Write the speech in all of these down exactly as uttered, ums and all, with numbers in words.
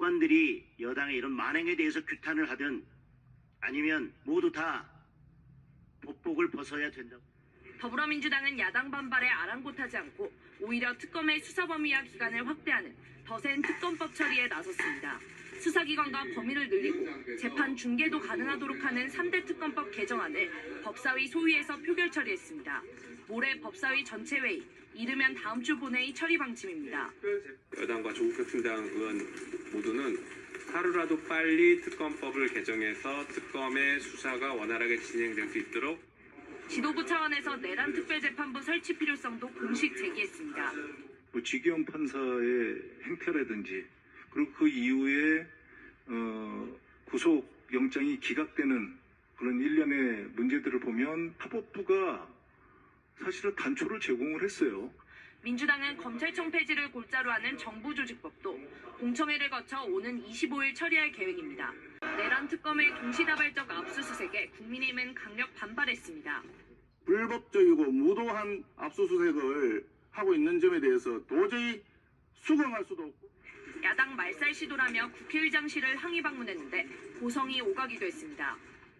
법관들이 여당의 이런 만행에 대해서 규탄을 하든 아니면 모두 다 법복을 벗어야 된다고. 더불어민주당은 야당 반발에 아랑곳하지 않고 오히려 특검의 수사 범위와 기간을 확대하는 더 센 특검법 처리에 나섰습니다. 수사기관과 범위를 늘리고 재판 중계도 가능하도록 하는 삼 대 특검법 개정안을 법사위 소위에서 표결 처리했습니다. 모레 법사위 전체 회의, 이르면 다음 주 본회의 처리 방침입니다. 여당과 조국혁신당 의원 모두는 하루라도 빨리 특검법을 개정해서 특검의 수사가 원활하게 진행될 수 있도록 지도부 차원에서 내란 특별재판부 설치 필요성도 공식 제기했습니다. 뭐 지기현 판사의 행태라든지 그리고 그 이후에 어, 구속영장이 기각되는 그런 일련의 문제들을 보면 사법부가 사실은 단초를 제공을 했어요. 민주당은 검찰청 폐지를 골자로 하는 정부조직법도 공청회를 거쳐 오는 이십오 일 처리할 계획입니다. 내란 특검의 동시다발적 압수수색에 국민의힘은 강력 반발했습니다. 불법적이고 무도한 압수수색을 하고 있는 점에 대해서 도저히 수긍할 수도 없고 야당 말살 시도라며 국회의장실을 항의 방문했는데 고성이 오가기도 했습니다.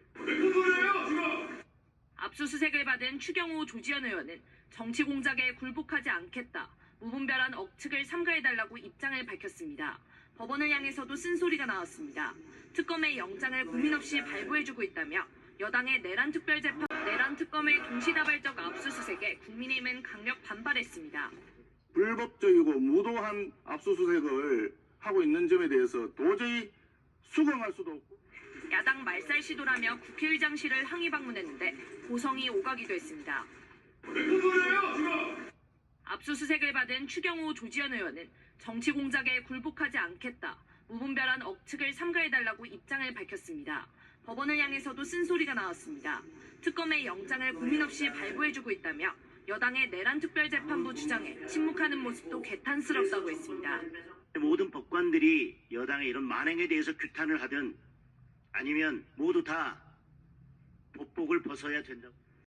압수수색을 받은 추경호 조지현 의원은 정치 공작에 굴복하지 않겠다, 무분별한 억측을 삼가해달라고 입장을 밝혔습니다. 법원을 향해서도 쓴소리가 나왔습니다. 특검의 영장을 고민 없이 발부해주고 있다며 여당의 내란 특별재판, 내란 특검의 동시다발적 압수수색에 국민의힘은 강력 반발했습니다. 불법적이고 무도한 압수수색을 하고 있는 점에 대해서 도저히 수긍할 수도 없고 야당 말살 시도라며 국회의장실을 항의 방문했는데 고성이 오가기도 했습니다. 압수수색을 받은 추경호 조지현 의원은 정치 공작에 굴복하지 않겠다, 무분별한 억측을 삼가해달라고 입장을 밝혔습니다. 법원을 향해서도 쓴소리가 나왔습니다. 특검의 영장을 고민 없이 발부해주고 있다며 여당의 내란 특별재판부 주장에 침묵하는 모습도 개탄스럽다고 했습니다. 모든 법관들이 여당의 이런 만행에 대해서 규탄을 하든 아니면 모두 다 법복을 벗어야 된다고.